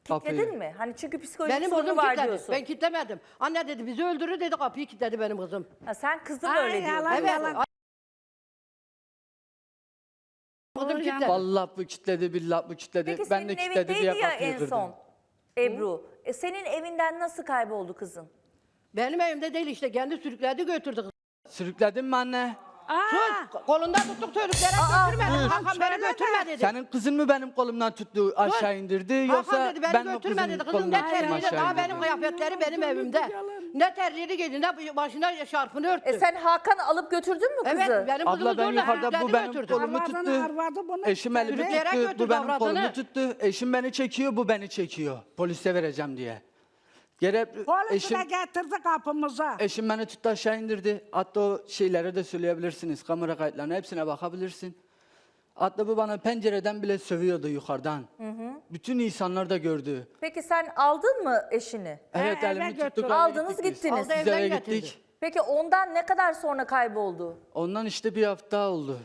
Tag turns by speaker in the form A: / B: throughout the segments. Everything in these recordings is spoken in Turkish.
A: Kilitledin mi? Hani çünkü psikolojik
B: Benim
A: sorunu
B: kızım
A: var
B: kilitledi.
A: diyorsun.
B: Ben kilitlemedim. Anne dedi bizi öldürür dedi, kapıyı kilitledi benim kızım.
A: Ha, sen kızın
C: Ay,
A: öyle diyor.
C: yalan,
B: Evet.
C: yalan.
B: Kızım
C: Doğru,
B: kilitledi.
D: Vallahi bu kitledi, billahi bu kitledi.
A: Peki
D: Ben
A: senin
D: de kitledi
A: evindeydi
D: diye
A: ya
D: kapıyı
A: en
D: kırdım.
A: son Ebru. Senin evinden nasıl kayboldu kızın?
B: Benim evimde değil işte, kendi sürükledi götürdü kızı.
D: Sürükledin mi anne?
B: Sus, kolundan tuttuk sürükleyerek götürmedi. Hakan beni götürme dedi.
D: Senin kızın mı benim kolumdan tuttu aşağı indirdi yoksa
B: Hakan dedi beni
D: ben mi
B: götürme
D: kızın
B: dedi. Kızın
D: kolundan
B: ne
D: tuttum
B: terliği
D: aşağı
B: daha
D: indirdim?
B: benim kıyafetleri benim evimde. Ne terliğini giydi ne başına şarfını örttü.
A: Sen Hakan'ı alıp götürdün mü kızı?
B: Evet benim kızımı
D: Abla ben
B: zorla
D: yukarıda bu
B: sürükledi
D: benim
B: götürdü.
D: kolumu
C: Arvadını,
D: tuttu.
C: arvadı bunu
D: Eşim elimi
B: sürükleyerek
D: tuttu.
B: götürdü
D: Bu benim
B: avradını.
D: kolumu tuttu. Eşim beni çekiyor, bu beni çekiyor. Polise vereceğim diye.
C: Polisle
D: Eşim,
C: getirdi kapımıza.
D: eşim beni tuttu aşağı indirdi. Hatta o şeyleri de söyleyebilirsiniz. Kamera kayıtlarına hepsine bakabilirsin. Hatta bu bana pencereden bile sövüyordu yukarıdan. Bütün insanlar da gördü.
A: Peki sen aldın mı eşini?
D: Evet
C: eve
D: elimi
C: götürdü.
D: tuttuk.
A: Aldınız,
D: gittik biz.
A: gittiniz.
B: Aldı,
D: Biz
B: evden
D: eve
B: getirdi.
D: gittik.
A: Peki ondan ne kadar sonra kayboldu?
D: Ondan işte bir hafta oldu.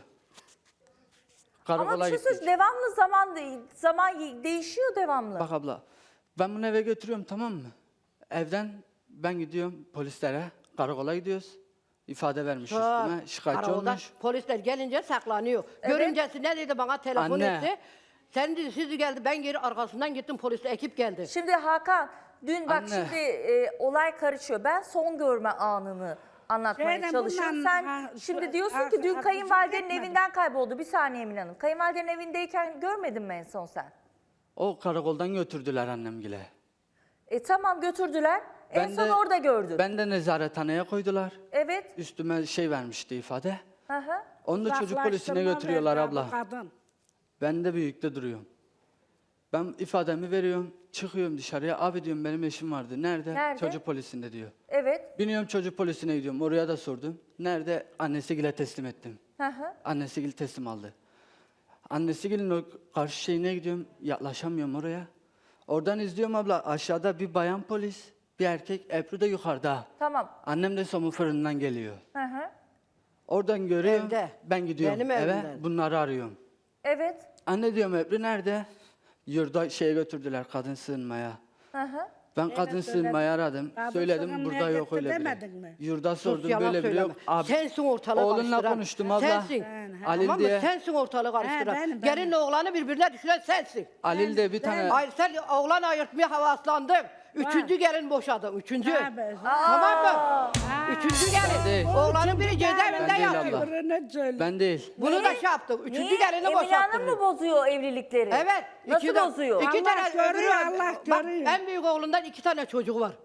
A: Ama
D: Karakola
A: bir şey
D: gittik.
A: söyleyeyim, devamlı zaman değişiyor devamlı.
D: Bak abla, ben bunu eve götürüyorum tamam mı? Evden ben gidiyorum polislere, karakola gidiyoruz. İfade vermiş üstüme, şikayetçi
B: Karakolda
D: olmuş.
B: polisler gelince saklanıyor. Görüncesi ne dedi bana telefon
D: Anne.
B: etti. Sen dedi siz geldi, ben geri arkasından gittim, polisle ekip geldi.
A: Şimdi Hakan dün bak
D: Anne.
A: şimdi olay karışıyor. Ben son görme anını anlatmaya
C: Şeyden
A: çalışıyorum.
C: bundan,
A: Sen
C: ha,
A: şimdi
C: şu-
A: diyorsun ki dün
C: arkadaşım
A: kayınvalidenin
C: gitmedi.
A: evinden kayboldu. Bir saniye Emine Hanım. Kayınvalidenin evindeyken görmedin mi en son sen?
D: O karakoldan götürdüler annemgile.
A: Tamam götürdüler. En son orada gördün.
D: Ben de nezarethaneye koydular.
A: Evet.
D: Üstüme şey vermişti ifade.
A: Hı hı.
D: Onu da çocuk polisine
C: Uzaklaştırma
D: götürüyorlar
C: verdi
D: abla.
C: bu kadın.
D: Ben de büyükte duruyorum. Ben ifademi veriyorum, çıkıyorum dışarıya. Abi diyorum benim eşim vardı. Nerede?
A: Nerede?
D: Çocuk polisinde diyor.
A: Evet.
D: Biniyorum çocuk polisine gidiyorum. Oraya da sordum. Nerede? Annesigil'e teslim ettim.
A: Hı hı.
D: Annesigil teslim aldı. Annesigil'in o karşı şeyine gidiyorum. Yaklaşamıyorum oraya. Oradan izliyorum abla. Aşağıda bir bayan polis, bir erkek. Ebru da yukarıda.
A: Tamam.
D: Annem de somun fırından geliyor.
A: Hı hı.
D: Oradan görüyorum.
B: Evde.
D: Ben gidiyorum
B: Benim
D: eve.
B: evimden.
D: Bunları arıyorum.
A: Evet.
D: Anne diyorum Ebru nerede? Yurda şeye götürdüler kadın sığınmaya.
A: Hı hı.
D: Ben kadın sığınmayı aradım.
C: Kadın
D: Söyledim
C: sığınmaya
D: burada yok
C: gitti
D: öyle biri.
C: demedin mi?
D: Yurda
B: Sus,
D: sordum
B: yalan
D: böyle biri yok.
B: söyleme. Sensin ortalığı
D: Oğlunla
B: karıştıran.
D: konuştum abla.
B: Sensin.
D: Halil
B: Tamam mı?
D: diye.
B: Sensin ortalığı karıştıran.
C: benim.
B: Gelinle oğlanı birbirine düşüren sensin.
D: Halil de bir tane
B: Hayır sen oğlan ayırtmaya havaslandın. Üçüncü gelin boşadın. Üçüncü.
C: Tabii.
B: Tamam mı? Üçüncü gelin.
D: değil.
B: Oğlanın biri cezaevinde
D: Ben değil
B: yatıyor.
D: abla.
C: Öbürünü söyle.
D: ben değil.
B: Bunu da şey yaptık. Üçüncü
A: Niye?
B: gelini
A: Emine Hanım mı
B: boşalttırıyor.
A: bozuyor evlilikleri?
B: Evet.
A: Nasıl
B: iki de-
A: bozuyor?
B: İki
C: Allah
B: tane
C: görüyor,
B: öbürü.
C: Allah
B: Bak,
C: görüyor.
B: en büyük oğlundan 2 tane çocuğu var.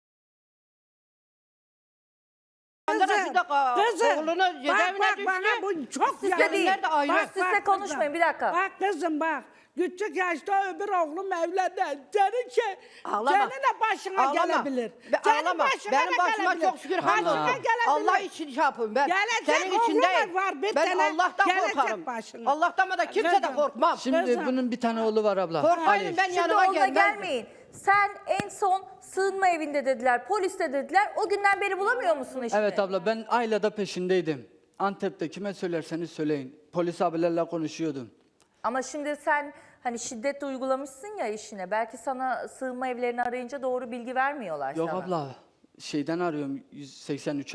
B: Oğlunu cezaevine
C: bak,
B: düştü.
C: bana bu çok
A: Sizde değil.
B: Nerede ayrı?
A: Bak sizle konuşmayın bir dakika.
C: Bak kızım bak. Küçük yaşta öbür oğlum evlendi.
B: Ağlama.
C: Senin de başına
B: Ağlama.
C: gelebilir.
B: Ağlama. Benim başıma çok şükür
C: Başına
B: hamdolsun.
C: gelebilir.
B: Allah için şey yapıyorum ben.
C: Gelecek
B: Senin
C: oğlum
B: için değil.
C: var, bir
B: Ben
C: tane
B: Allah'tan
C: gelecek
B: korkarım.
C: başına.
B: Allah'tan da kimse de
C: Kızım.
B: korkmam.
D: Şimdi
C: Kızım.
D: bunun bir tane oğlu var abla.
B: Korkmayın
D: Ali.
B: ben
A: Şimdi
B: yanıma
A: onunla
B: gelmem.
A: gelmeyin. Sen en son sığınma evinde dediler, poliste dediler. O günden beri bulamıyor musun eşini?
D: Evet abla ben ailede peşindeydim. Antep'te kime söylerseniz söyleyin. Polis abilerle konuşuyordum.
A: Ama şimdi sen hani şiddet uygulamışsın ya eşine. Belki sana sığınma evlerini arayınca doğru bilgi vermiyorlar
D: Yok
A: sana.
D: abla şeyden arıyorum 183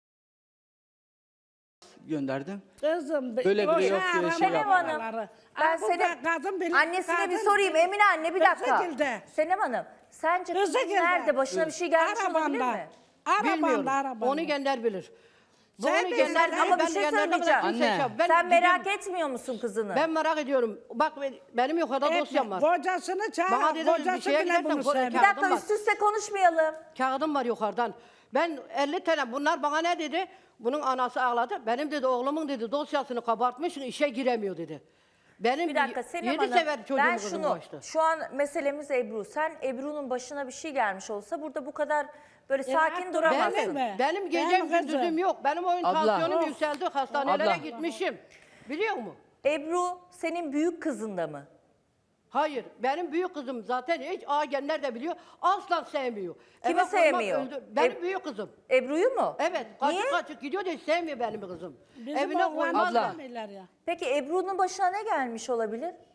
D: gönderdim.
C: Kızım.
D: Böyle biri yok diye şey
A: Senem Hanım, ben annesine bir sorayım. Emine anne bir dakika. Senem Hanım, sence kızın nerede? Başına bir şey gelmiş olabilir mi?
B: Bilmiyorum.
C: Arabanda.
B: Onu gönder bilir.
C: Sen
B: Onu
C: de
B: gönder
C: sen-
A: Ama bir
B: ben
A: şey
B: gönderdim de
A: söyleyeceğim.
B: kimse
D: Anne.
B: şey yap- ben
A: Sen merak
B: gidiyorum.
A: etmiyor musun kızını?
B: Ben merak ediyorum. Bak benim yukarıda dosyam var.
C: Kocasını
B: Bana
C: çağır.
B: dedi, bir
C: Kocası
B: şeye
C: bile
B: gidersen
C: bunu
B: konuş-
C: sevmez.
A: Bir dakika
B: Kağıdım var.
A: üst üste konuşmayalım.
B: Kağıdım var yukarıdan. Ben 50 tane bunlar bana ne dedi? Bunun anası ağladı. Benim dedi oğlumun dedi dosyasını kabartmışsın işe giremiyor dedi. Benim
A: Bir dakika Senem
B: 7
A: Hanım,
B: sefer çocuğum
A: ben
B: kızım
A: şunu,
B: başta.
A: şu an meselemiz Ebru. Sen Ebru'nun başına bir şey gelmiş olsa burada bu kadar böyle sakin duramazsın.
C: Benim mi?
B: Benim gecem
C: Benim kızım.
B: gündüzüm yok. Benim oyun
D: Abla.
B: tansiyonum yükseldi. Hastanelere
D: Abla.
B: gitmişim. Biliyor musun?
A: Ebru senin büyük kızın da mı?
B: Hayır. Benim büyük kızım zaten hiç agenler de biliyor. Asla sevmiyor.
A: Kimi
B: Eve koymaz,
A: sevmiyor?
B: Benim büyük kızım.
A: Ebru'yu mu?
B: Evet.
A: Niye?
B: Kaçık kaçık gidiyor da hiç sevmiyor benim kızım.
C: Bizim
B: Evine
C: oğlan
B: koymaz.
D: Abla.
C: sevmiyorlar ya.
A: Peki Ebru'nun başına ne gelmiş olabilir?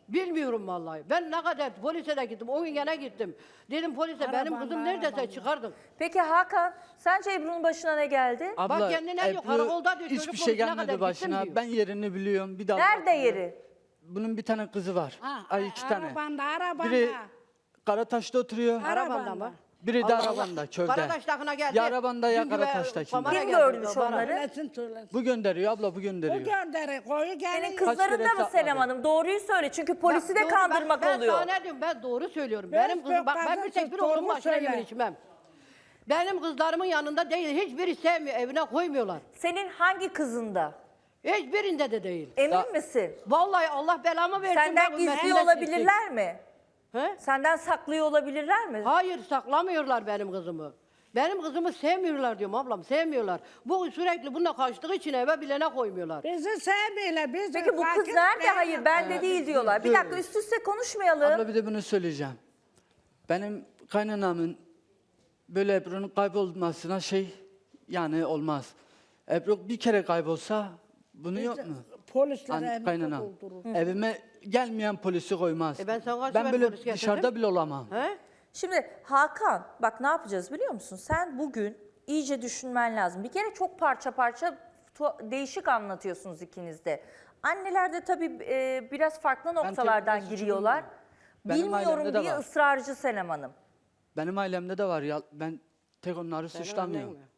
B: Bilmiyorum vallahi. Ben ne kadar polise de gittim. O gün gene gittim. Dedim polise benim kızım neredeyse çıkardın.
A: Peki Hakan, sence Ebru'nun başına ne geldi?
D: Abla,
B: kendine diyor,
D: Ebru
B: karakolda diyor,
D: hiçbir
B: çocuk
D: şey
B: konusuna kadar
D: gelmedi
B: gittim
D: başına.
B: diyor.
D: Ben yerini biliyorum. Bir daha.
A: Nerede yeri?
D: Bunun bir tane kızı var. Ay 2 tane.
C: Arabanda.
D: Biri Karataş'ta oturuyor.
B: Arabanda mı?
D: Biri de Arabanda, köyde.
B: Karataş'takına geldi.
D: Ya Arabanda ya
B: Dün gibi
D: Karataş'ta şimdi.
B: Pamara
A: Kim
B: geldi,
A: görmüş
B: Pamara.
A: onları?
C: Söylesin.
D: Bu gönderiyor abla, bu
C: Bu
D: gönderiyor.
C: gönderi koyu
A: Senin
C: gelin.
A: kızların da
D: kere
A: mı Senem
D: sakladı?
A: Hanım? Doğruyu söyle çünkü polisi de
B: Doğru,
A: kandırmak
B: ben
A: oluyor.
B: sana ne diyorum, ben doğru söylüyorum.
C: Ben
B: Benim kızım, bak ben bir tek bir
C: doğru
B: oğlum başına
C: söyle.
B: yemin içmem. Benim kızlarımın yanında değil, hiçbiri sevmiyor, evine koymuyorlar.
A: Senin hangi kızında?
B: Hiçbirinde de değil.
A: Emin misin?
B: Vallahi Allah belamı versin.
A: Senden
B: bak,
A: gizli
B: ümmetinden
A: olabilirler mi?
B: He?
A: Senden saklıyor olabilirler mi?
B: Hayır, saklamıyorlar benim kızımı. Benim kızımı sevmiyorlar diyorum ablam, sevmiyorlar. Bu sürekli bununla kaçtığı için eve bilene koymuyorlar.
C: Bizi sevmiyorlar. Bizi
A: Peki bu kız
C: fakir
A: nerede?
C: değil.
A: Hayır bende değil diyorlar. Bir dakika üst üste konuşmayalım.
D: Abla bir de bunu söyleyeceğim. Benim kaynanamın böyle Ebru'nun kaybolmasına yani olmaz. Ebru bir kere kaybolsa bunu yok mu?
C: Polisler evde
D: Kaynanam.
C: doldurur.
D: Evime gelmeyen polisi koymaz.
B: Ben sana kaç
D: ben
B: sefer
D: böyle
B: polis getirdim?
D: dışarıda bile olamam.
B: He?
A: Şimdi Hakan bak ne yapacağız biliyor musun? Sen bugün iyice düşünmen lazım. Bir kere çok parça parça değişik anlatıyorsunuz ikiniz de. Anneler de tabii biraz farklı noktalardan
D: suçu
A: giriyorlar.
D: Benim
A: Bilmiyorum
D: ailemde de
A: diye
D: var.
A: ısrarcı Senem Hanım.
D: Benim ailemde de var ya, ben tek onları suçlamıyorum.
B: annem mi?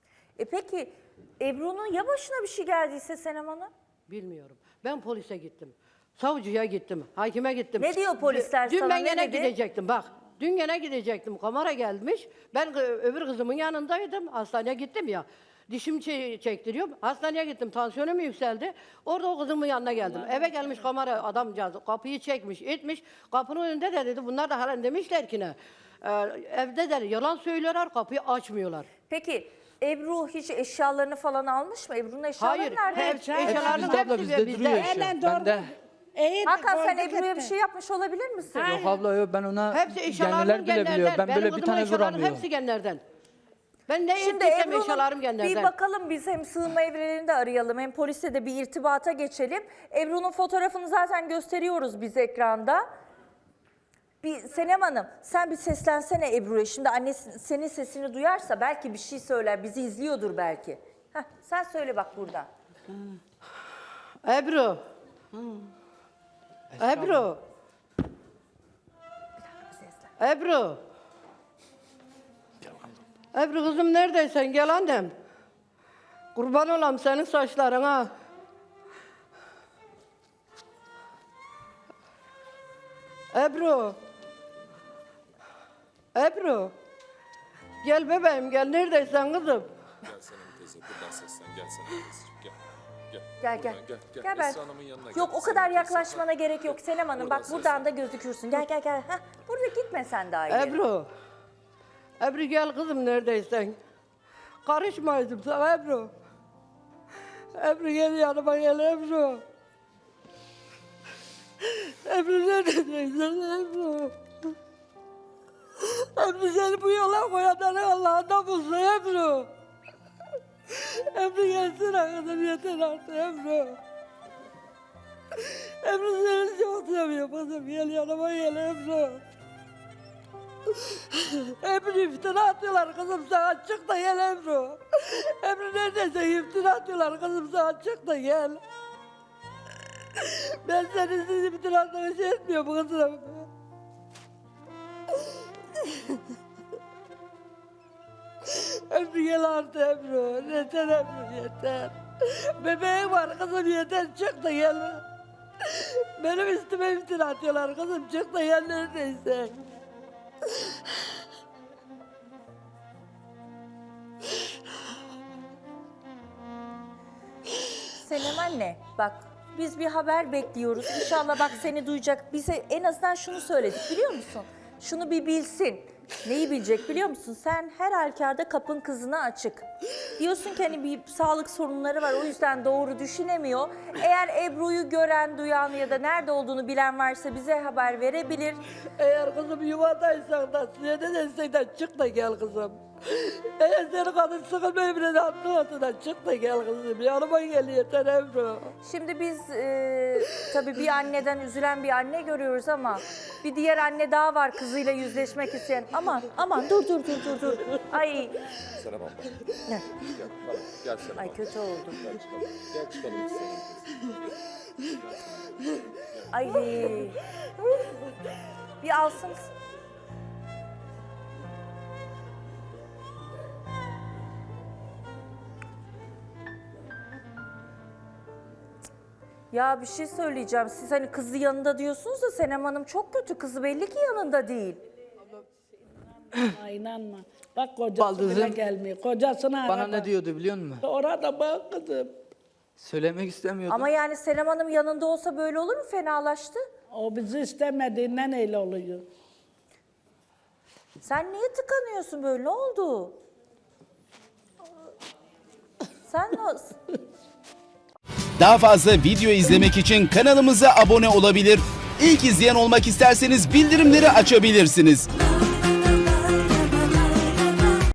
A: Peki Ebru'nun ya başına bir şey geldiyse Senem Hanım?
B: Bilmiyorum. Ben polise gittim. Savcıya gittim, hakime gittim.
A: Ne diyor polisler
B: Dün
A: sana,
B: ben
A: ne
B: gene
A: dedi?
B: gidecektim bak. Dün gene gidecektim. Kamera gelmiş. Ben öbür kızımın yanındaydım. Hastaneye gittim ya. Dişim çektiriyorum. Hastaneye gittim. Tansiyonum yükseldi. Orada o kızımın yanına geldim. Eve gelmiş kamera adamcağız. Kapıyı çekmiş, etmiş. Kapının önünde de dedi. Bunlar da halen demişler ki ne? Evde de yalan söylüyorlar. Kapıyı açmıyorlar.
A: Peki Ebru hiç eşyalarını falan almış mı? Ebru'nun eşyaları
B: Hayır.
A: nerede?
B: Hep eşyalarının
D: Bizde abla,
B: hepsi
D: bizde
B: bizde.
D: duruyor eşya.
C: Hemen doğru.
D: Bende.
C: İyi,
A: Hakan sen
C: koyduk
A: Ebru'ya bir
C: etti.
A: şey yapmış olabilir misin?
D: Yok abla yok, ben ona
B: Hepsi eşyalarım
D: genler bile biliyor.
B: genlerden.
D: Ben
B: Benim
D: böyle bir
B: kızımın
D: tane
B: eşyalarının
D: vuramıyorum.
B: hepsi genlerden. Ben ne
A: Şimdi
B: ettiysem
A: Ebru'nun
B: eşyalarım genlerden.
A: bir bakalım biz hem sığınma evlerini de arayalım hem polise de bir irtibata geçelim. Ebru'nun fotoğrafını zaten gösteriyoruz biz ekranda. Bir Senem Hanım sen bir seslensene Ebru'ya. Şimdi annesi senin sesini duyarsa belki bir şey söyler. Bizi izliyordur belki. Heh, sen söyle bak buradan.
B: Ebru. Ebru. Ebru. Ebru kızım neredeysen gel annem. Kurban olam senin saçlarına. Ebru. Ebru. Gel bebeğim gel neredeysen kızım.
E: Gel Senem teyze buradan seslen. Gel Senem teyzeciğim gel.
A: Gel gel.
E: Buradan gel.
A: Gel ben.
E: Esra Hanım'ın yanına
A: Yok
E: gel.
A: o
E: Senem
A: kadar
E: teyze.
A: yaklaşmana gerek yok Senem Hanım.
E: Buradan
A: Bak buradan
E: seslen.
A: da gözükürsün. Gel gel gel. Heh, burada gitme sen daha ileri.
B: Ebru. Ebru gel kızım neredeysen. Karışmaydım sana Ebru. Ebru gel yanıma gel Ebru. Ebru neredeysen Ebru. Ebru seni bu yola koyanları Allah'ından bulsun Ebru. Ebru gelsene kızım yeter artık Ebru. Ebru seni çok seviyorum kızım gel yanıma gel Ebru. Ebru iftira atıyorlar kızım sana çık da gel Ebru. Ebru neredeyse iftira atıyorlar kızım sana çık da gel. Ben senin iftira atmanı şey etmiyorum kızım. Ebru gel artık Ebru. Yeter Ebru yeter. Bebeğim var kızım yeter çık da gel. Benim üstüme iftira atıyorlar kızım çık da gel neredeyse.
A: Senem anne bak biz bir haber bekliyoruz. İnşallah bak seni duyacak. Bize en azından şunu söyledik biliyor musun? Şunu bir bilsin. Neyi bilecek biliyor musun? Sen her halükarda kapın kızına açık. Diyorsun ki hani bir sağlık sorunları var, o yüzden doğru düşünemiyor. Eğer Ebru'yu gören, duyan ya da nerede olduğunu bilen varsa bize haber verebilir.
B: Eğer kızım yuvadaysan da size de destekten çık da gel kızım. Eğer senin kadın sıkılmayı bile anlamadın da çık da gel kızım. Yanıma gel yeter Ebru.
A: Şimdi biz tabii bir anneden üzülen bir anne görüyoruz ama bir diğer anne daha var kızıyla yüzleşmek isteyen. Aman dur. Ay
E: Senem abla.
A: ne?
E: Gel, tamam. Gel Senem
A: Ay
E: abla.
A: kötü oldu.
E: Gel çıkalım. Gel çıkalım biz seninle.
A: Ay. Bir alsın. Ya bir şey söyleyeceğim. Siz hani kızı yanında diyorsunuz da Senem Hanım çok kötü. Kızı belli ki yanında değil.
C: Ay, inanma. Bak kocası
D: Baldızım,
C: bile gelmiyor. Kocasına
D: Bana
C: arada.
D: ne diyordu biliyor musun?
C: Orada bak kızım.
D: Söylemek istemiyordum.
A: Ama yani Senem Hanım yanında olsa böyle olur mu? Fenalaştı.
C: O bizi istemediğinden öyle oluyor.
A: Sen niye tıkanıyorsun böyle? Ne oldu? Sen nasıl?
F: Daha fazla video izlemek için kanalımıza abone olabilir. İlk izleyen olmak isterseniz bildirimleri açabilirsiniz.